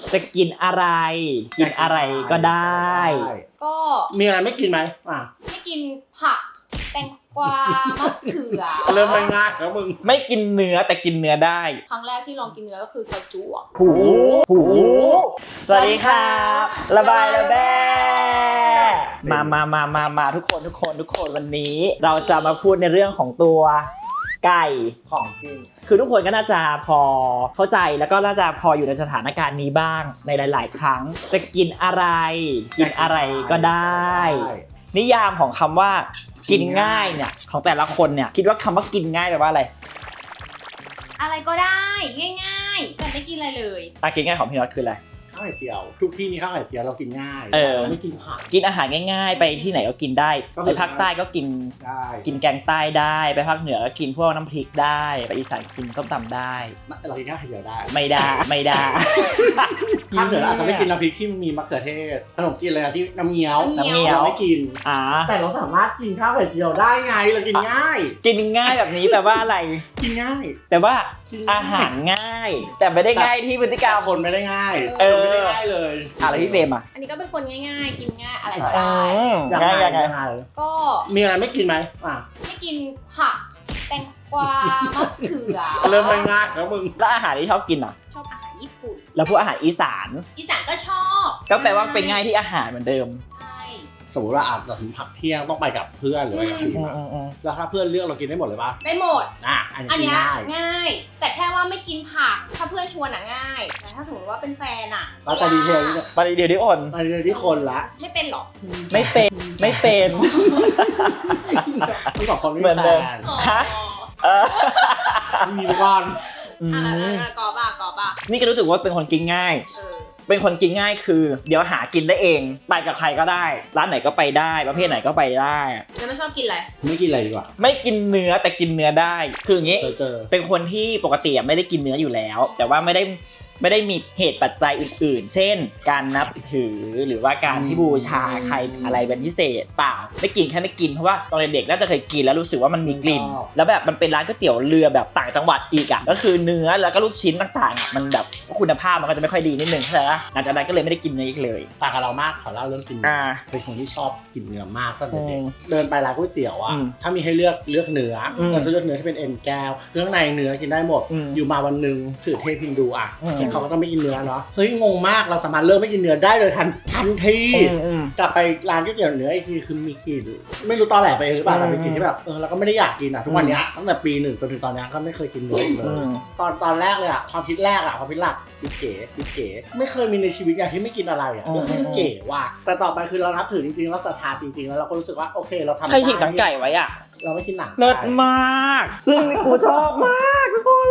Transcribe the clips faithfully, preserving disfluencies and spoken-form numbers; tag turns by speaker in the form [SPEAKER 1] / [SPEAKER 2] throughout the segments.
[SPEAKER 1] จะกินอะไรกินอะไรก็ได้
[SPEAKER 2] ก็
[SPEAKER 3] มีอะไรไม่กินไหมอ่ะ
[SPEAKER 2] ไม่กินผักแตงกวามะเขือ
[SPEAKER 3] เริ่มง่ายแล้วมึง
[SPEAKER 1] ไม่กินเนื้อแต่กินเนื้อได้
[SPEAKER 2] ครั้งแรกที่ลองกินเนื้อก็คือไก่จุ๊อ่ะ
[SPEAKER 1] หูหูสวัสดีครับระบายระแบ้มามามามามาทุกคนทุกคนทุกคนวันนี้เราจะมาพูดในเรื่องของตัวไก่
[SPEAKER 3] ของกิน
[SPEAKER 1] คือทุกคนก็น่าจะพอเข้าใจแล้วก็น่าจะพออยู่ในสถานการณ์นี้บ้างในหลาย ๆ ครั้งจะกินอะไรกินอะไรก็ได้นิยามของคำว่ากินง่ายเนี่ยของแต่ละคนเนี่ยคิดว่าคำว่ากินง่ายแปลว่าอะไร
[SPEAKER 2] อะไรก็ได้ง่ายๆแต่ไม่กินอะไรเลย
[SPEAKER 1] อ่ะกินง่ายของพี่น็อตคืออะไร
[SPEAKER 3] ข้าวไข่เจียวทุกที่มีข้าวไข่เจียวเรากินง่าย
[SPEAKER 1] เออ
[SPEAKER 3] ไม่กินผัก
[SPEAKER 1] กินอาหารง่ายๆไปที่ไหนก็กินได้ไปภาคใต้ก็กิน
[SPEAKER 3] ได้
[SPEAKER 1] กินแกงใต้ได้ไปภาคเหนือก็กินพวกน้ำพริกได้ไปอีสานกินต้มตำได้
[SPEAKER 3] เรากินข้าวไข่เจียวได้
[SPEAKER 1] ไม่ได้ไม่ได้
[SPEAKER 3] ภาคเหนืออาจจะไม่กินน้ำพริกที่มันมีมะเขือเทศขนมจีนอะไรที่น้ำเงี้ยว
[SPEAKER 1] น้ำเงี้ยว
[SPEAKER 3] ไม่กิน
[SPEAKER 1] อ่า
[SPEAKER 3] แต่เราสามารถกินข้าวไข่เจียวได้ไงเรากินง่าย
[SPEAKER 1] กินง่ายแบบนี้แปลว่าอะไร
[SPEAKER 3] กินง่าย
[SPEAKER 1] แต่ว่าอาหารง่ายแต่ไม่ได้ง่ายที่พฤติกรรม
[SPEAKER 3] คนไม่ได้ง่าย
[SPEAKER 1] เออ
[SPEAKER 3] ไม่ได้ง่ายเลย
[SPEAKER 1] อะไรพี่เฟรมอ่ะ
[SPEAKER 2] อันนี้ก็เป็นคนง่ายๆกินง่ายอะไรก็ได้
[SPEAKER 1] ง่ายยังไง
[SPEAKER 2] ก็
[SPEAKER 3] มีอะไรไม่กินไหมอ่ะ
[SPEAKER 2] ไม่กินผักแตงกวามะเขือ
[SPEAKER 3] เริ่มง่ายแล้วมึง
[SPEAKER 1] แล้วอาหารที่ชอบกินอ่ะ
[SPEAKER 2] ชอบอาหารญี่ปุ่น
[SPEAKER 1] แล้วพวกอาหารอีสาน
[SPEAKER 2] อีสานก็ชอบ
[SPEAKER 1] ก็แปลว่าเป็นง่ายที่อาหารเหมือนเดิม
[SPEAKER 3] สมมติว่าอาจจะถึงพักเที่ยงต้องไปกับเพื่อนหรือไปกับทีมแล้วถ้าเพื่อนเลือกเรากินได้หมดเลยปะ
[SPEAKER 2] ได้หมด
[SPEAKER 3] อ่ะอันนี้ง่าย
[SPEAKER 2] ง่ายแต่แค่ว่าไม่กินผักถ้าเพื่อนชวนอ่ะง่ายแต่ถ้าสมมติว่าเป็นแฟนอ่ะ
[SPEAKER 3] เราจะดีเทล
[SPEAKER 1] ไปดีเทลที่คน
[SPEAKER 3] ไปดีเทลที่คนละ
[SPEAKER 2] ไม่เป็นหรอ
[SPEAKER 1] ไม่เป็นไม่เป็น
[SPEAKER 3] ต้องบอกคนไม่
[SPEAKER 1] เหมือนเดิมฮะ
[SPEAKER 3] มีไปก่อน
[SPEAKER 2] อ่ะกอบ้ากอบ้า
[SPEAKER 1] นี่ก็รู้สึกว่าเป็นคนกินง่ายเป็นคนกินง่ายคือเดี๋ยวหากินได้เองไปกับใครก็ได้ร้านไหนก็ไปได้ประเภทไหนก็ไปได้
[SPEAKER 2] แล้วไม่ชอบกินอะไร
[SPEAKER 3] ไม่กินอะไรดีกว่า
[SPEAKER 1] ไม่กินเนื้อแต่กินเนื้อได้คืออย่างงี้
[SPEAKER 3] เจอ
[SPEAKER 1] เป็นคนที่ปกติไม่ได้กินเนื้ออยู่แล้วแต่ว่าไม่ได้ไม่ได้มีเหตุปัจจัยอื่นๆเช่นการนับถือหรือว่าการที่บูชาใครอะไรเป็นพิเศษเปล่าไม่กินแค่ไม่กินเพราะว่าตอนเด็กๆน่าจะเคยกินแล้วรู้สึกว่ามันมีกลิ่นแล้วแบบมันเป็นร้านก๋วยเตี๋ยวเรือแบบต่างจังหวัดอีกอ่ะก็คือเนื้อแล้วก็ลูกชิ้นต่างๆอ่ะมันแบบคุณภาพมันก็จะไม่ค่อยดีนิดนึงใช่ไหมหลังจากนั้นก็เลยไม่ได้กินเนื้ออีกเลย
[SPEAKER 3] ต่างกับเรามากขอเล่าเรื่องกินเป็นคนที่ชอบกินเนื้อมากตั้งแต่เด็กเดินไปร้านก๋วยเตี๋ยวอ่ะถ้ามีให้เลือกเลือกเนื้อเราจะเลือกเนื้อที่เป็นเอ็นแก้วเครื่องในเนื้อกินได้หมดอยู่มาวันนึงถือเทพฮินดูอ่ะเขาก็จะไม่กินเนื้อเนาะเฮ้ยงงมากเราสามารถเลิกไม่กินเนื้อได้เลยทันทันทีกลับไปร้านก๋วยเตี๋ยวเนื้ออีกทีคือมีกลิ่นไม่รู้ตอนแหลไปหรือเปล่าแต่ไปกินที่แบบเออเราก็ไม่ได้อยากกินอ่ะทุกวันนี้ตั้งแต่ปีหนึ่งจนถึงตอนนี้ก็ไม่เคยกินเนื้อเลยตอนตอนแรกเลยอ่ะความคิดแรกอ่ะความคิดหลักดิเก๋ดิเก๋ไม่เคยมีในชีวิตอย่างที่ไม่กินอะไรอ่ะเรื่องเก๋ว่ะแต่ต่อไปคือเรานับถือจริงๆเราศรัทธาจริงๆแล้วเราก็รู้สึกว่าโอเคเราทำได้
[SPEAKER 1] ใครหิกหนังไก่ไว้อ่ะ
[SPEAKER 3] เราไม่กินหนัง
[SPEAKER 1] เลิศมากซึ่งกูชอบมากทุกคน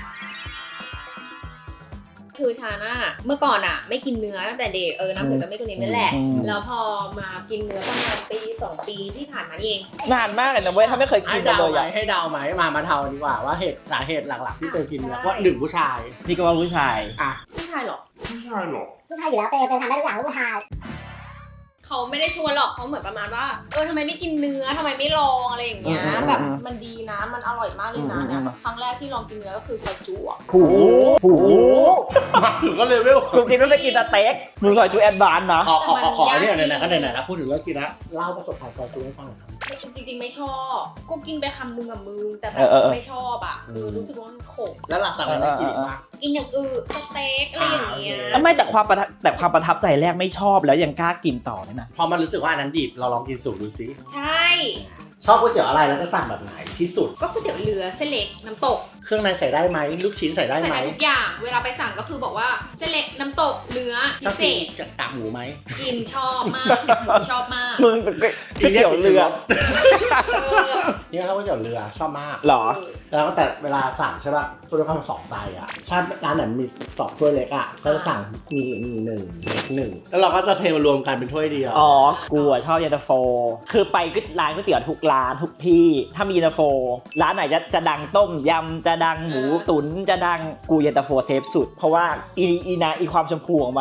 [SPEAKER 2] คือชาน่าเมื่อก่อนอ่ะไม่กินเนื้อตั้งแต่เด็กเออน้ำถือจะไม่กินเนื้อนั่นแหละแล้วพอมากินเนื้อประมาณปีสองปีที่ผ่านมานี่เอง
[SPEAKER 1] นานมากเลยนะเว้ยถ้าไม่เคยกินเลยอ่ะ
[SPEAKER 3] ให้เดาไหมมามาเทาดีกว่าว่าเหตุสาเหตุหลักๆที่เจอกินเนื้อก็หนึ่งผู้ชาย
[SPEAKER 1] นี่ก็ว่าผู้ชาย
[SPEAKER 3] อ่ะ
[SPEAKER 2] ผู้ชายหรอ
[SPEAKER 3] ผู้ชายหรอ
[SPEAKER 4] ผู้ชายอยู่แล้วเจอเป็นทำได้ทุกอย่างผู้ชาย
[SPEAKER 2] เขาไม่ได้ชวนหรอกเขาเหมือนประมาณว่าเออทำไมไม่กินเนื้อทำไมไม่ลองอะไรอย่างเงี้ยแบบมันดีนะมันอร่อยมากเลยนะเนี่ยครั้งแรกที่ลองกินเนื้อก็คือไก่จุ๊อ่ะ
[SPEAKER 1] หูหู
[SPEAKER 3] มาถึงก็เลเวล
[SPEAKER 1] กูกินต้องไปกินสเต็กมึงซอยจุ๊แอดวานซ์นะ
[SPEAKER 3] ขอขอขอเนี่ยไหนๆก็ไหนๆนะพูดถึงเรื่องกินนะเล่าประสบการณ์ซอยจุ๊ให้ฟังหน่อยครับ
[SPEAKER 2] จริงๆไม่ชอบกูกินไปคำนึงกับมึงแต่แบบไม่ชอบอ่ะรู้สึกว่ามันขม
[SPEAKER 3] แล้วหลังจากนั้นกินอีกมั้ย
[SPEAKER 2] กินอย่างอื่นสเต็กอะไรอย่างเงี้ย
[SPEAKER 1] ไม่แต่ความแต่ความประทับใจแรกไม่ชอบแล้วยังกล้ากินต่อเลยนะ
[SPEAKER 3] พอมันรู้สึกว่าอันนั้นดิบเราลองกินสูตรดูซิ
[SPEAKER 2] ใช่
[SPEAKER 3] ชอบก๋วยเตี๋ยวอะไรแล้วจะสั่งแบบไหนที่สุด
[SPEAKER 2] ก็ก๋วยเตี๋ยวเรือเส้นเล็กน้ำตก
[SPEAKER 3] เครื่องในใส่ได้ไหมลูกชิ้นใส่ได้ไหม
[SPEAKER 2] ใส่ทุกอย่างเวลาไปสั่งก็คือบอกว่าเส้นเล็กน้ำตกเนื้อพิเศษ
[SPEAKER 3] กับกากหมูไหม
[SPEAKER 2] กินชอบมากกับหมูชอบมาก
[SPEAKER 1] มึงก๋วยเตี๋ยวเรือ
[SPEAKER 3] นี่เขาก๋วยเตี๋ยวเรือชอบมาก
[SPEAKER 1] หรอ
[SPEAKER 3] แล้วก็แต่เวลาสั่งใช่ป่ะถ้วยละสองใจอ่ะถ้าร้านไหนมีสองถ้วยเล็กอ่ะก็จะสั่งมีมีหนึ่งเล็กหนึ่งแล้วเราก็จะเทมารวมกันเป็นถ้วยเดียว
[SPEAKER 1] อ๋อกูชอบเย็นตาโฟคือไปก็ร้านก๋วยเตี๋ยวทุกร้านทุกที่ถ้ามีเย็นตาโฟร้านไหนจะจะดังต้มยำจะดังหมูตุ๋นจะดังกูเย็นตาโฟเซฟสุดเพราะว่าอีอีนาอีความชมพูของมันอ่ะ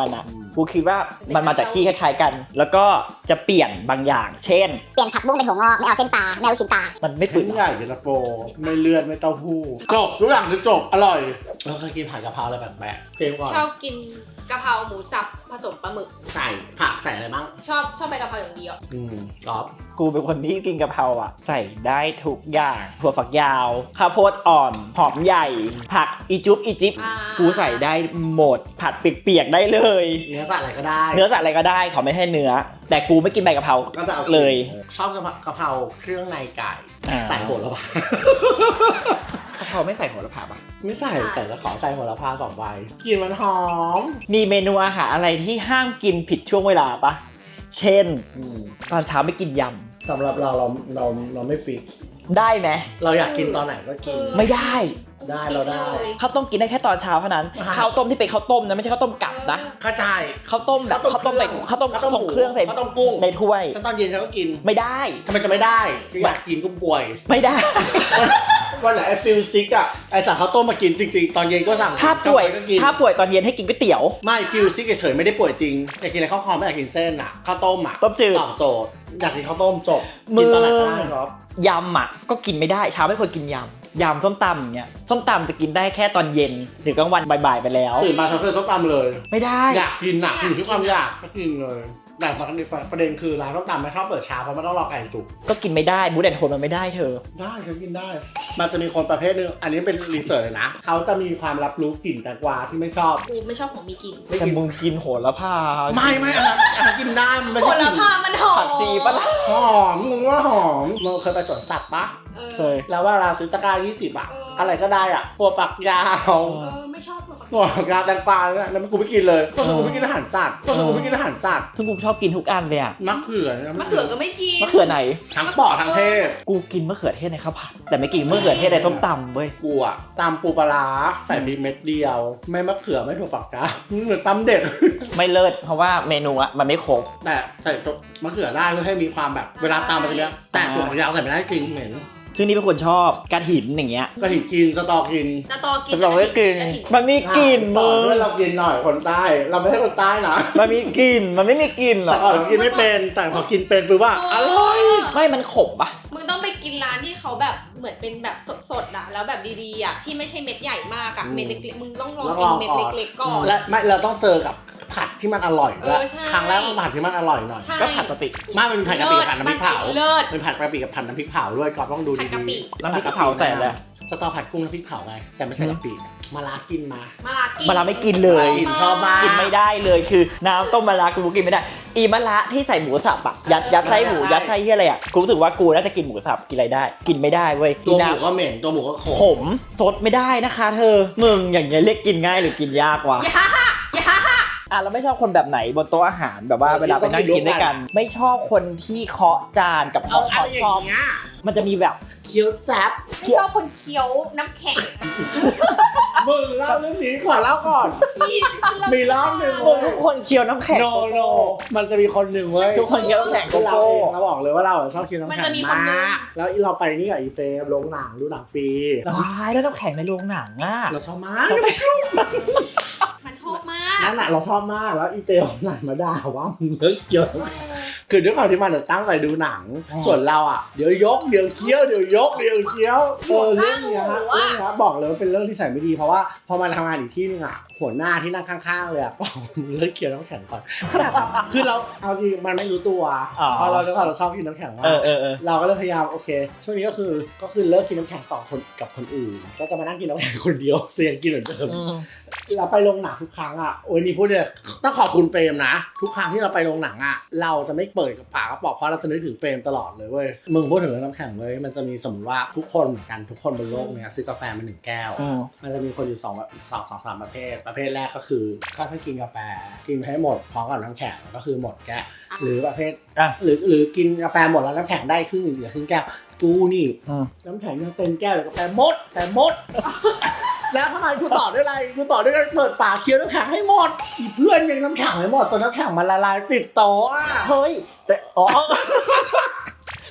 [SPEAKER 1] กูคิดว่ามันมาจากที่คล้ายๆกัน แล้วก็จะเปลี่ยนบางอย่าง เช่น
[SPEAKER 4] เปลี่ยนผักบุ้งเป็นถั่วงอกไม่เอาเส้นปลาไม่เอาลูกชิ้นปลา
[SPEAKER 1] มันไม่เปื่
[SPEAKER 3] ชิ้น
[SPEAKER 1] อย
[SPEAKER 3] ใหญ่เย็นตาโฟไม่เลือดไม่เต้าหู้จบทุกอย่างคือจบอร่อยเราเคยกินผัดกะเพราอะไรแปลกๆเฟรมก่อน
[SPEAKER 2] ชอบกินกะเพราหมูสับผสมปลาหมึก
[SPEAKER 3] ใส่ผักใส่อะไรบ้าง
[SPEAKER 2] ชอบชอบใบกะเพราอย่างเดียว
[SPEAKER 3] อืมก๊อฟ
[SPEAKER 1] กูเป็นคนที่กินกะเพราอ่ะ ใส่ได้ทุกอย่างถั่วฝักยาวข้าวโพดอ่อนหอมใหญ่ ผักอีจุ๊บอีจิ๊บ
[SPEAKER 2] อ่า
[SPEAKER 1] กูใส่ได้หมดผัดเปียกๆได้เลย
[SPEAKER 3] เนื้อสัตว์อะไรก็ได้
[SPEAKER 1] เนื้อสัตว์อะไรก็ได้ขอไม่ให้เนื้อ แต่กูไม่กินใบกะเพรา
[SPEAKER 3] ก็จะเอา
[SPEAKER 1] เลย
[SPEAKER 3] ชอบกะเพรากะเพราเครื่องในไก่
[SPEAKER 1] อ่า
[SPEAKER 3] ใส่โหระพาก
[SPEAKER 1] ะเพราไม่ใส่โหระพาปะ
[SPEAKER 3] ไม่ใส่ใส่แล้วขอใส่โหระพาสองใบกลินมันหอม
[SPEAKER 1] มีเมนูอาหารอะไรที่ห้ามกินผิดช่วงเวลาปะเช่น
[SPEAKER 3] อืม
[SPEAKER 1] ตอนเช้าไม่กินย
[SPEAKER 3] สำหรับเราเราเราเราไม่ฟิก
[SPEAKER 1] ำได้ไหม
[SPEAKER 3] เราอยากกินตอนไหนก็กิน
[SPEAKER 1] ไม่ได้
[SPEAKER 3] ได้เราได้
[SPEAKER 1] ข้าวต้มกินได้แค่ตอนเช้าเท่านั้น
[SPEAKER 3] อ่าฮะ
[SPEAKER 1] ข้าวต้มที่เป็นข้าวต้มนะไม่ใช่ข้าวต้มกลับนะ
[SPEAKER 3] เข้าใจ
[SPEAKER 1] ข้าวต้มแบบข้าวต้มใส่ข้าวต้มข้าวต้มเครื่องใส่
[SPEAKER 3] ข้าวต้มกุ้ง
[SPEAKER 1] ในถ้วย
[SPEAKER 3] ฉันตอนเย็นฉันก็กิน
[SPEAKER 1] ไม่ได้
[SPEAKER 3] ทำไมจะไม่ได้ก็อยากกินก็ป่วย
[SPEAKER 1] ไม่ได้
[SPEAKER 3] วันไหนไอ้ฟิลซิกอ่ะไอ้สั่งข้าวต้มมากินจริงๆ ตอนเย็นก็สั่ง
[SPEAKER 1] ถ้าป่วย
[SPEAKER 3] กลงก็กิน
[SPEAKER 1] ถ้าป่วยตอนเย็นให้กินก๋วยเตี๋ยว
[SPEAKER 3] ไม่ฟิลซิกเฉยๆไม่ได้ป่วยจริงอยากกินอะไรข้าวคอมไม่อยากกินเส้นอ่ะข้าวต้มอ่ะ
[SPEAKER 1] ต้มจืด
[SPEAKER 3] ตอบโจทย์อยากกินข้าวต้มจบ
[SPEAKER 1] มึ
[SPEAKER 3] กิ
[SPEAKER 1] ง
[SPEAKER 3] นตอนไหนก็ได้ครับ
[SPEAKER 1] ยำอ่ะก็กินไม่ได้เช้าไม่ควรกินยำยำส้มตำอย่างเงี้ยส้มตำจะกินได้แค่ตอนเย็นหรือกลางวันบ่ายๆไปแล้ว
[SPEAKER 3] ตื่นมาทำเส้นต้มตำเลย
[SPEAKER 1] ไม่ได้
[SPEAKER 3] อยากกินหนักอยู่ที่ความอยากก็กินเลยแต่ประเด็นคือร้านต้มตำไม่ชอบเปิดเช้าเพราะมันต้องรอไก่สุก
[SPEAKER 1] ก็กินไม่ได้บูดแอนโทนมันไม่ได้เธอ
[SPEAKER 3] ได้ฉันกินได้ มันจะมีคนประเภทนึงอันนี้เป็นรีเสิร์ชเลยนะเขาจะมีความรับรู้กลิ่นแตงกวาที่ไม่ชอบ
[SPEAKER 2] กูไม่ชอบของมีกลิ่น
[SPEAKER 3] ไม่
[SPEAKER 1] แต่
[SPEAKER 3] กิน
[SPEAKER 1] มึงกินโหระพา
[SPEAKER 3] ไม่ไม่อันนั้นอันนั้นกินได้มันไม่
[SPEAKER 2] ผ
[SPEAKER 3] ใช่
[SPEAKER 2] ล
[SPEAKER 3] กลิ่น
[SPEAKER 2] พามันหอม
[SPEAKER 1] ผักชีปะล่ะ
[SPEAKER 3] หอมมึงว่าหอมมึงเคยไปสวนสัตว์ปะ
[SPEAKER 2] เออ
[SPEAKER 1] เคย
[SPEAKER 3] แล้วเวลาซื้อตะกร้ายี่สิบอะ
[SPEAKER 2] เอออ
[SPEAKER 3] อะไรก็ได้อะตัวปักยาว
[SPEAKER 2] เออไม่ชอบหรอก
[SPEAKER 3] ตัวปักยาวแตงกวาเนี่ยแล้วมันกูไม่กินเลยเพราะกูไม่กินอาหารสัตว์เพราะกูไม่กินอาหารสัตว์
[SPEAKER 1] ซึ่งกูชอบกินทุกอันเลยอะ
[SPEAKER 3] มะเขือนี่ย
[SPEAKER 2] มะเขือก็ไม่กิน
[SPEAKER 1] มะเขือไหน
[SPEAKER 3] ทั้งปอดทั้งเทศ
[SPEAKER 1] กูกินมะเขือเทศในข้าวผัดแต่ไม่กินมะเขือเทศในต้มตำเว้ย
[SPEAKER 3] กูอะตำปูปลาร้าใส่พริกเม็ดเดียว ไม่มะเขือไม่ถั่วฝักยาวเหมือนตำเด็ด
[SPEAKER 1] ไม่เลิศเพราะว่าเมนูอะมันไม่ครบ
[SPEAKER 3] แต่ใส่ตัวมะเขือได้เพื่อให้มีความแบบเวลาตำมันจะเนี้ยแต่ถั่วฝักยาวใส่ไม่ได้จริงเหม็น
[SPEAKER 1] ซึ่งนี่เป็นคนชอบกระถินอย่างเงี้ย
[SPEAKER 3] กระถิ่นกินสตอกิน
[SPEAKER 2] สตอกิน
[SPEAKER 1] เราไม่กิน
[SPEAKER 2] ระถิ่น
[SPEAKER 1] มันมีกลิ่น
[SPEAKER 3] สอ
[SPEAKER 1] มึ
[SPEAKER 3] น
[SPEAKER 1] ง
[SPEAKER 3] ด้วยเรากินหน่อยคนใต้เราไม่ใช่คนใต้นะ
[SPEAKER 1] มันมีกลิ่นมันไม่มีกลิ่นหร
[SPEAKER 3] แต่
[SPEAKER 1] อก
[SPEAKER 3] ก่อนเรากินไม่เป็นแต่พอกินเป็นปุ๊บว่าอร่อย
[SPEAKER 1] ไม่มันขมปะ
[SPEAKER 2] มึงต้องไปกินร้านที่เขาแบบเหมือนเป็นแบบสดๆอะแล้วแบบดีๆอะที่ไม่ใช่เม็ดใหญ่มากอะเม็ดเล็กๆมึงต้องลองกินเม็ดเล็กๆก่อน
[SPEAKER 3] และไม่เราต้องเจอกับผัดที่มันอร่อยด้วย
[SPEAKER 2] เออใช่
[SPEAKER 3] ครั้งแรกต้องผัดที่มันอร่อยหน่อย
[SPEAKER 2] ใช่
[SPEAKER 1] ก็ผัดกะปิ
[SPEAKER 3] ไม่มันเป็นผัดกะปิกับผัดน้ำพริกเผา
[SPEAKER 2] เลิศ
[SPEAKER 3] เป็นผัดกะปิกับผัดน้ำพริกเผาด้วยกรอบต้องดู
[SPEAKER 2] ผัด
[SPEAKER 3] ดี
[SPEAKER 2] กะปิ
[SPEAKER 3] ๆ
[SPEAKER 1] น้ำพริกเผาแต่อะไร
[SPEAKER 3] สตอผัดกุ้งน้ำพริกเผาไงแต่ไม่ใช่กะปิมาลากินมา
[SPEAKER 2] มาลากิน
[SPEAKER 1] มะระไม่กินเลย
[SPEAKER 3] กินชอบมาก
[SPEAKER 1] กินไม่ได้เลยคือน้ำต้มมะระกูกินไม่ได้ อีมะระที่ใส่หมูสับอะยัดยัดไส้หมูยัดไส้ที่อะไรอะกูรู้สึกว่ากูน่าจะกินหมูสับกินอะไรได้ กินไม่ได้เว้ย
[SPEAKER 3] ตัวห
[SPEAKER 1] น้
[SPEAKER 3] มูก็เหม็นตัวหมูก็ขม
[SPEAKER 1] ำผมสดไม่ได้นะคะเธอมึงอย่างเงี้ยเรียกกินง่ายหรือกินยากวะ
[SPEAKER 2] อย่าฮ่าฮ่าอย่าฮ่าฮ่า
[SPEAKER 1] อ่ะเราไม่ชอบคนแบบไหนบนโต๊ะอาหารแบบว่าเวลาไปนั่งกินด้วยกัน ไม่ชอบคนที่เคาะจานกับ
[SPEAKER 3] เอา
[SPEAKER 1] เคาะ
[SPEAKER 3] อะไรอ
[SPEAKER 1] ช้อน
[SPEAKER 3] ย่างเงี้ย
[SPEAKER 1] มันจะมีแบบ
[SPEAKER 3] เคี้ยวแจ๊บ
[SPEAKER 2] ไม่ชอบคนเคี้ยวน้ำแข็ง
[SPEAKER 3] มึงเล่าเรื่องนี้ก่อนเล่าก่อน
[SPEAKER 2] พี่
[SPEAKER 3] มีรอบหนึ่ง
[SPEAKER 1] มึงทุกคนเคี้ยวน้ำแข็ง
[SPEAKER 3] โนโนมันจะมีคนหนึ่งเว้ย
[SPEAKER 1] ทุกคนเคี้ยวน้ำแข็งโก
[SPEAKER 3] เรา
[SPEAKER 1] โก้
[SPEAKER 3] เองเราบอกเลยว่าเราชอบกินน้ำ
[SPEAKER 2] มัน
[SPEAKER 3] แข็
[SPEAKER 2] จะ
[SPEAKER 3] ง
[SPEAKER 2] มีคน
[SPEAKER 3] มา
[SPEAKER 2] นึง
[SPEAKER 3] กแล้วเราไปนี่กับอีเฟรมโรงหนังดูหนังฟรี
[SPEAKER 1] ว้ายแล้วน้ำแข็งในโรงหนังอ่ะ
[SPEAKER 3] เราชอบมาก
[SPEAKER 2] มันชอบมาก
[SPEAKER 3] นั่นแหละเราชอบมากแล้วอีเฟรมหนังมาด่าว่ามึงเลิกเกี่ยวคือด้วยความที่มันตั้งใจดูหนัง ส่วนเราอ่ะเดี๋ยวยกเดี๋ยวเคี้ยวเดี๋ยวยกเดี๋ยวเคี้ยวเออเรื่องเนี้ยเรื่องเนี้ยบอกเลยว่าเป็นเรื่องที่ใส่ไม่ดีเพราะว่าพอมาทำงานอีกที่นึงอ่ะหัวหน้าที่นั่งข้างๆเลยอ่ะบอกมึงเลิกเคี้ยวน้ำแข็งก่อนคือเราเอาจริงมันไม่รู้ตัวเพราะเราด้วยความเราชอบกินน้ำแข็งมาก
[SPEAKER 1] เออเออเออ
[SPEAKER 3] เราก็เลยพยายามโอเคช่วงนี้ก็คือก็คือเลิกกินน้ำแข็งต่อคนกับคนอื่น ก็จะมานั่งกินน้ำแข็งคนเดียวแต่ยังกินเหมือนเดิมเราไปโรงหนังทุกครั้งอ่ะโอ้ยนี่พูดเลยต้องขอบคุณเฟรมนะทุกครั้งที่เราไปโรงหนังอ่ะเราจะไม่เปิดกับปากกระป๋องเพราะเราจะนึกถึงเฟรมตลอดเลยเว้ยมึงพูดถึงเรื่องน้ำแข็งเลยมันจะมีสมมติว่าทุกคนเหมือนกันทุกคนบนโลกเนี้ยซื้อกาแฟมาหนึ่งแก้ว
[SPEAKER 1] อืม
[SPEAKER 3] มันจะมีคนอยู่สองแบบสองสองสามประเภทประเภทแรกก็คือถ้าถ้ากินกาแฟกินให้หมดพร้อมกับน้ำแข็งก็คือหมดแก้วหรือประเภท
[SPEAKER 1] อ่ะ
[SPEAKER 3] หรือหรือกินกาแฟหมดแล้วน้ำแข็งได้ครึ่งหนึ่งเหลือครึ่งแก้วกูนี่
[SPEAKER 1] อืม
[SPEAKER 3] น้ำแข็งยังเต็มแก้วเลยกาแฟหมดแต่หมด แล้วทำไมกูต่อด้วยอะไรกูต่อด้วยการเปิดปากเคี้ยวน้ำแข็งให้หมดอีเพื่อนยังน้ำแข็งไม่หมดจนน้ำแข็งมันละลายติดโต๊ะอะ
[SPEAKER 1] เฮ้ยแต่อ๋อ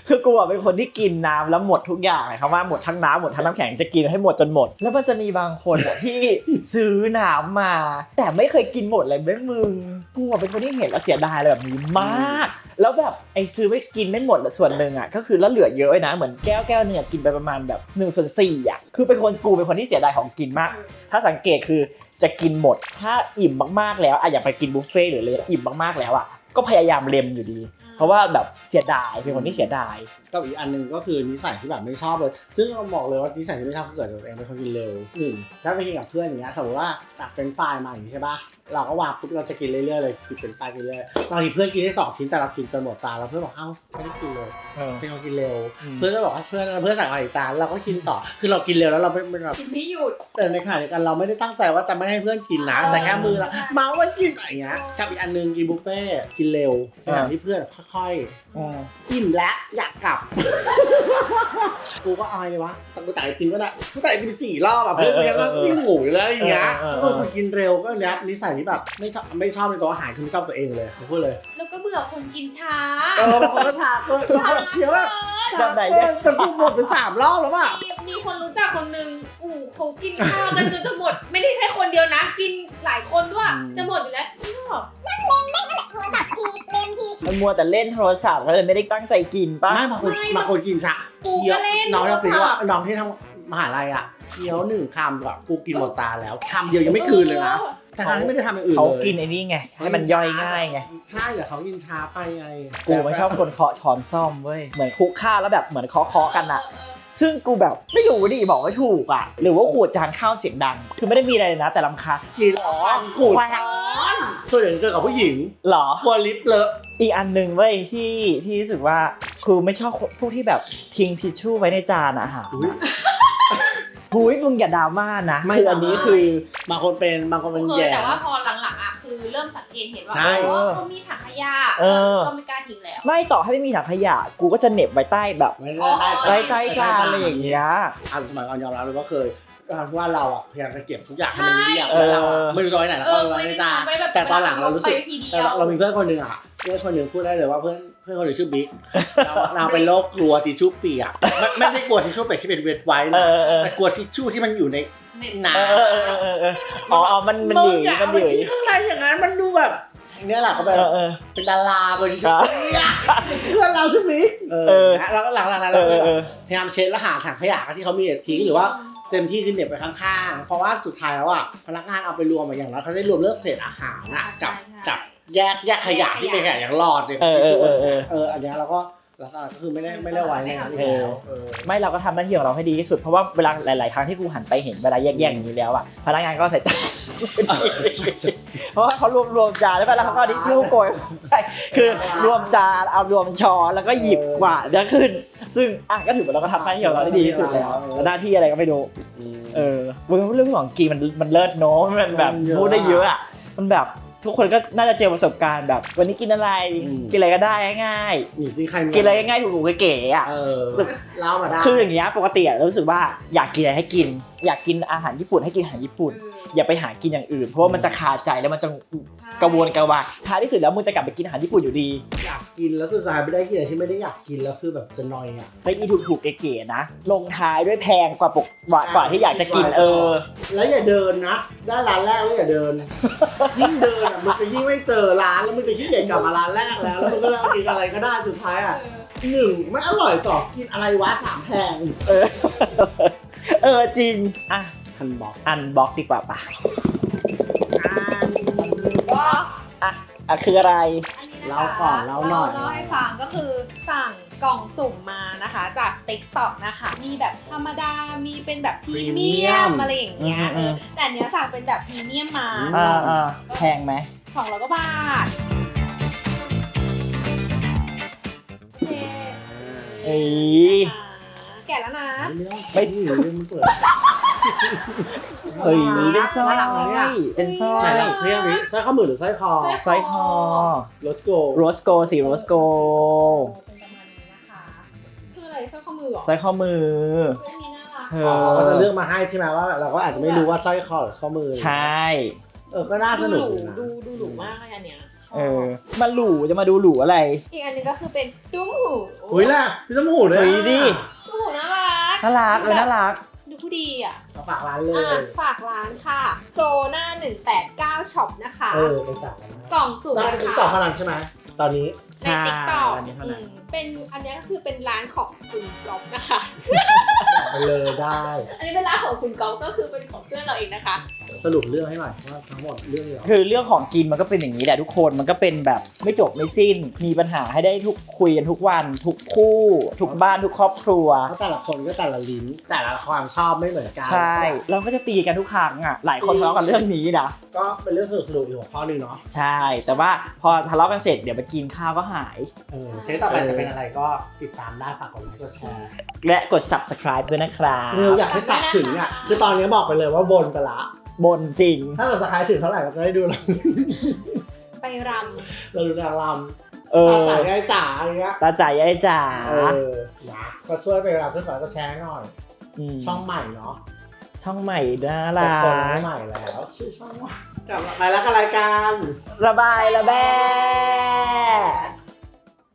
[SPEAKER 1] คือกูอะเป็นคนที่กินน้ำแล้วหมดทุกอย่างเลยครับว่าหมดทั้งน้ำหมดทั้งน้ำแข็งจะกินให้หมดจนหมดแล้วมันจะมีบางคนอะที่ซื้อน้ำมาแต่ไม่เคยกินหมดเลยแม่มึงกูอะเป็นคนที่เห็นแล้วเสียดายอะไรแบบนี้มากแล้วแบบไอ้ซื้อไว้กินไม่หมดส่วนหนึ่งอ่ะก็คือแล้วเหลือเยอะนะเหมือนแก้วแก้วเนี่ยกินไปประมาณแบบหนึ่งส่วนสี่อ่ะคือเป็นคนกูเป็นคนที่เสียดายของกินมากถ้าสังเกตคือจะกินหมดถ้าอิ่มมากๆแล้วอ่ะอย่าไปกินบุฟเฟ่ต์หรือเลยอิ่มมากๆแล้วอ่ะก็พยายามเล็มอยู่ดีเพราะว่าแบบเสียดายเป็นคนที่เสียดาย
[SPEAKER 3] กับอีกอันนึงก็คือนิสัยที่แบบไม่ชอบเลยซึ่งเราบอกเลยว่านิสัยที่ไม่ชอบคือเกิดจากตัวเองเป็นคนกินเร็วหนึ่งถ้าไปกินกับเพื่อนอย่างเงี้ยสมมติว่าตักเป็นไฟล์มาอย่างนี้ใช่ป่ะเราก็วางปุ๊บเราจะกินเรื่อยๆเลยกินเป็นไฟล์กินเรื่อยบางทีเพื่อนกินได้สองชิ้นแต่เรากินจนหมดจานแล้วเพื่อนบอกเอ้าไม่ได้กินเลยเป็นคนกินเร็วเพื่อนก็บอกว่าเพื่อนเพื่อนสั่งมาอีกจานเราก็กินต่อคือเรากินเร็วแล้วเราไม่แบบ
[SPEAKER 2] กินไม่หยุด
[SPEAKER 3] แต่ในขณะเดียวกันเราไม่ได้ตั้งใจว่าจะไม่ให้เพื่อนกินนะแต่แค่มือละเมาว่ากินอะไรเงี้ยกับอีกอันนึงกินบุฟเฟ่กินเร็วอย่างที่เพื่อนค่อยๆอิ่มแล้วอยากกลับกูก็อายเลยวะแต่กูแต่กินก็ได้กูแต่กินสี่รอบแบบเพื่อนเลี้ยงแล้วกินหมูแล้วอย่างเงี้ยก็คนกินเร็วก็เนี้ยนิสัยที่แบบไม่ชอบไม่ชอบในตัวอาหารคือไม่ชอบตัวเองเลยผมพูดเลย
[SPEAKER 2] แล้วก็เบื่อคนกินช้า
[SPEAKER 3] เออบางคนก็ทาก็เคี้ยวแบบแบบไหนเนี่ยจะกูหมดไปสามรอบแล้วอ่ะ
[SPEAKER 2] มีคนรู้จักคนนึงอู้เขากินข้าวกันจนจะหมดไม่ได้แค่คนเดียวนะกินหลายคนด้วยจะหมดอยู่แล้วนี่ก็
[SPEAKER 4] นั่งเล่นเล่นนั่นแหละโทรศัพท์ทีเล่นที
[SPEAKER 1] มันมัวแต่เล่นโทรศัพท์ก็เลยไม่ได้ตั้งใจกินป่ะ
[SPEAKER 3] ไม่บางคนบางคนกินช้าเคี้ยวน้องที่ว่าน้องที่ทำมหาลัยอ่ะเคี้ยวหนึ่งคำแบบกูกินหมดจานแล้วคำเดียวยังไม่คืนเลยนะแต่เขาไม่ได้ทำอย่างอื่นเลย
[SPEAKER 1] เขากินไอ้นี่ไงให้มันย่อยง่ายไง
[SPEAKER 3] ใช่แต่เขากินช้าไปไง
[SPEAKER 1] กูไม่ชอบคนเคาะช้อนซ่อมเว้ยเหมือนคุกข้าวแล้วแบบเหมือนเคาะเคาะกันอะซึ่งกูแบบไม่รู้ดิบอกไม่ถูกอ่ะหรือว่าขูดจานข้าวเสียงดังคือไม่ได้มีอะไรเลยนะแต่ลำคาญ
[SPEAKER 3] กินอ๋อขูดส่วนใหญ่เจอกับผู้หญิง
[SPEAKER 1] หรอ
[SPEAKER 3] กลัวลิปเลอะ
[SPEAKER 1] อีกอันหนึ่งเว้ยที่ที่รู้สึกว่าคือไม่ชอบพวกที่แบบทิ้งทิชชู่ไว้ในจานอาหารหุยมึงอย่าดราม่านะคืออันนี้คือบ
[SPEAKER 3] างคนเป็นบางคนเป็นแย่
[SPEAKER 2] แต่ว่าพอหลังๆอ่ะคือเริ่มสังเกตเห็นว่าเขามีถังขยะก็ไม่กล้าทิ้งแล้ว
[SPEAKER 1] ไม่ต่อให้ไม่มีถังขยะกูก็จะเหน็บไว้ใต้แบบใต้ใต้จานอะไรอย่างเงี้ย
[SPEAKER 3] อ่ะสมัยก่อนยอมรับเลยว่าเคยว่าเราอ่ะพยายามจะเก็บทุกอย่างให้มันเรียบแล้วเราไม่รู้จะไว้ไหนแล้วก็ไว้ในจานแต่ตอนหลังเรารู้สึกเรามีเพื่อนคนนึงอ่ะเพื่อนคนนึงพูดได้เลยว่าเพื่อนเพื่อนคนนึงชื่อบิ๊กเราเป็นโรคกลัวทิชชู่เปียกไม่ได้กลัวทิชชู่เปียกที่เป็นเวทไว้นะแต่กลัวทิชชู่ที่มันอยู่ในน้
[SPEAKER 1] ำอ๋อมันมันหยืดมันหยืด
[SPEAKER 3] ข้างในอย่างนั้นมันดูแบบเนี่ยแหละเขาแบบเป็นดาราบริษัทเพื่อนเราใช่ไหมเออแล้วหลังๆนั้นเราพยายามเช็ดแล้วหาถังขยะที่เขามีทิ้งหรือว่าเต็มที่จะเหน็บไปข้างๆเพราะว่าสุดท้ายแล้วอ่ะพนักงานเอาไปรวมมาอย่างแล้วเขาได้รวมเรื่องเศษอาหารอ่ะกับกับแยกแยกขยะที่เป็นขยะอย่างหลอดเนี่ยที่ช่วยเอออันนี้เราก็แล้วก็คือไม่ได้ไม่ได้ไว้ในนั้นแล้ว
[SPEAKER 1] ไม่เราก็ทำหน้าที่ของเราให้ดีที่สุดเพราะว่าเวลาหลายๆครั้งที่กูหันไปเห็นเวลาแยกๆอย่างนี้แล้วอ่ะพนักงานก็ใส่จานเพราะว่าเขารวมรวมจานแล้วแล้วเขาก็ดิชู่โกยคือรวมจานเอารวมช้อนแล้วก็หยิบกวาดแล้วขึ้นซึ่งอ่ะก็ถือว่าเราก็ทำหน้าที่ของเราได้ดีที่สุดแล้วหน้าที่อะไรก็ไม่รู้เออเรื่องของกีมันมันเลิศเนาะมันแบบพูดได้เยอะอ่ะมันแบบทุกคนก็น่าจะเจอประสบการณ์แบบวันนี้กินอะไรกินอะไรก็ได้ง่ายๆกินอะไรง่ายๆถูกๆเก๋ๆอ่ะ
[SPEAKER 3] เล่ามาได้
[SPEAKER 1] คืออย่างเงี้ยปกติอ่ะรู้สึกว่าอยากกินอะไรให้กินอยากกินอาหารญี่ปุ่นให้กินอาหารญี่ปุ่นอย่าไปหากินอย่างอื่นเพราะว่ามันจะคาใจแล้วมันจะกระวนกระวายท้ายที่สุดแล้วมึงจะกลับไปกินอาหารญี่ปุ่นอยู่ดี
[SPEAKER 3] อยากกินแล้วสุดท้ายไม่ได้กินอะไรที่ไม่ได้อยากกินแล้วคือแบบจะนอยอ่ะ
[SPEAKER 1] ไปอีถูกๆเก๋ๆนะลงท้ายด้วยแพงกว่าปกกว่าที่อยากจะกินเออ
[SPEAKER 3] แล้วอย่าเดินนะได้ร้านแรกแล้วอย่าเดินยิ่งเดินอ่ะมันจะยิ่งไม่เจอร้านแล้วมันจะขี้เกียจกลับมาร้านแรกแล้วแล้วมันก็เอากินอะไรก็ได้สุดท้ายอ่ะหนึ่งไม่อร่อยสองกินอะไรวะสามแพง
[SPEAKER 1] เออเออจริงอ่ะ
[SPEAKER 3] อันบ็อก
[SPEAKER 1] อันบ็อกดีกว่าป่ะอันบ็อกอ่ะอ่ะคืออะไร
[SPEAKER 3] เล่าก่อนเล่าหน่อย
[SPEAKER 2] เล่าให้ฟังก็คือสั่งกล่องสุ่มมานะคะจาก TikTok นะคะมีแบบธรรมดามีเป็นแบบพรีเมียมอะไรอย่างเงี้ยแต่เนี้ยสั่งเป็นแบบพรีเมียมมา
[SPEAKER 1] อ่าๆแพงไหม
[SPEAKER 2] สองร้อยกว่าบาท
[SPEAKER 1] เอ้ย
[SPEAKER 2] แก่แล้วนะ
[SPEAKER 3] ไม่ดีเลยมันเปิด
[SPEAKER 1] เฮ้ยเป็นสร้อยเป็นสร้อย
[SPEAKER 3] ไหนเทียบนี้สร้อยข้อมือหรือสร้อยคอ
[SPEAKER 1] สร้อยคอ
[SPEAKER 3] โรสโก
[SPEAKER 1] โรสโกสีโรสโก
[SPEAKER 2] คืออะไรสร้อยข้อมือหรอ
[SPEAKER 1] สร้อยข้อมือ
[SPEAKER 2] อันนี้น่ารัก
[SPEAKER 3] เขาจะเลือกมาให้ใช่ไหมว่าเราก็อาจจะไม่รู้ว่าสร้อยคอหรือข้อมือ
[SPEAKER 1] ใช่
[SPEAKER 3] เออก็น่าส
[SPEAKER 2] ดู
[SPEAKER 3] นุ
[SPEAKER 2] ห
[SPEAKER 3] ก
[SPEAKER 2] รู
[SPEAKER 3] นะ
[SPEAKER 2] ดูดูหรูมากเลยอันเนี้ยชอบ
[SPEAKER 1] เออมาหลูจะมาดูหลูอะไร
[SPEAKER 2] อีกอันหนึงก็คือเป็นตุ้มหู
[SPEAKER 3] อุ้ยล่ะพี่ต้มหูด้วย
[SPEAKER 1] เฮ้ยดิ
[SPEAKER 2] ตุ้มหูน่ารัก
[SPEAKER 1] น่ารักเออน่ารัก
[SPEAKER 2] ดูผู้ดีอ่ะ
[SPEAKER 3] มาฝากร้านเล
[SPEAKER 2] อ่ะ
[SPEAKER 3] ย
[SPEAKER 2] ฝากร้านค่ะโซน่าหนึ่งแปดเก้าช็อปนะคะ
[SPEAKER 3] เออไปสั่งกันนะ
[SPEAKER 2] กล่องสุ่ม
[SPEAKER 3] ได้
[SPEAKER 2] นะ
[SPEAKER 3] ติ๊ก
[SPEAKER 2] คะ
[SPEAKER 3] ต็อกเท่านั้นใช่ไหมตอนนี้
[SPEAKER 2] ในติ๊กต็อก
[SPEAKER 1] อันนี้เท่านั้น
[SPEAKER 2] เป็นอันนี้ก็คือเป็นร้านของคุณก๊อฟนะคะ
[SPEAKER 3] ไปเลยได้
[SPEAKER 2] อันนี้เป็นร้านของคุณก๊อฟก็คือเป็นของเพื่อนเราเองนะคะ
[SPEAKER 3] สรุปเรื่องให้หน่อยว่าทั้งหมดเรื่องนี้เหรอ
[SPEAKER 1] คือเรื่องของกินมันก็เป็นอย่างนี้แหละทุกคนมันก็เป็นแบบไม่จบไม่สิ้น มีปัญหาให้ได้ทุกคุยกันทุกวัน ทุกคู่ ทุกบ้านทุกครอบครัว
[SPEAKER 3] เพราะแต่ละคนก็แต่ละลิ้น แต่ละความชอบไม่เหมือนกัน
[SPEAKER 1] ใช่เราก็จะตีกันทุกครั้งอ่ะหลายคนทะเลาะกันเรื่องนี้นะ
[SPEAKER 3] ก็เป็นเรื่องสนุกสนุกๆอีกหัวข้อหนึ่งเนาะ
[SPEAKER 1] ใช่ แต่ว่าพอทะเลาะกันเสร็จเดี๋ยวไปกินข้าวก็หาย
[SPEAKER 3] เออเทปต่อไปจะเป็นอะไรก็ติดตามได้ฝากกดไลค์กดแชร์
[SPEAKER 1] และกด subscribe ด้วยนะครับ
[SPEAKER 3] เร็วอยากให้สักถึงอ่ะคือตอนนี้บอกไปเลยว่าบนไปละ
[SPEAKER 1] บนจริง
[SPEAKER 3] ถ้าเกิดสกายถึงเท่าไหร่ก็จะได้ดูเรา
[SPEAKER 2] ไปร
[SPEAKER 3] เราดูนางร
[SPEAKER 1] เอ
[SPEAKER 3] ำตา
[SPEAKER 1] อ
[SPEAKER 3] จ่ายได้จ๋าอย่างเงี้ย
[SPEAKER 1] ตาจ่ายยายจ๋า
[SPEAKER 3] เออนะก็ช่วยไปรับช่วยฝากก็แชร์หน่อย
[SPEAKER 1] ม
[SPEAKER 3] ช่องใหม่เนาะ
[SPEAKER 1] ช่องใหม่น่า
[SPEAKER 3] เปิ
[SPEAKER 1] รั
[SPEAKER 3] ดคน
[SPEAKER 1] ก
[SPEAKER 3] ใหม่แล้วชื่อช่องว่ากลับมาไปแล้วกับรายการ
[SPEAKER 1] ระบายระแบ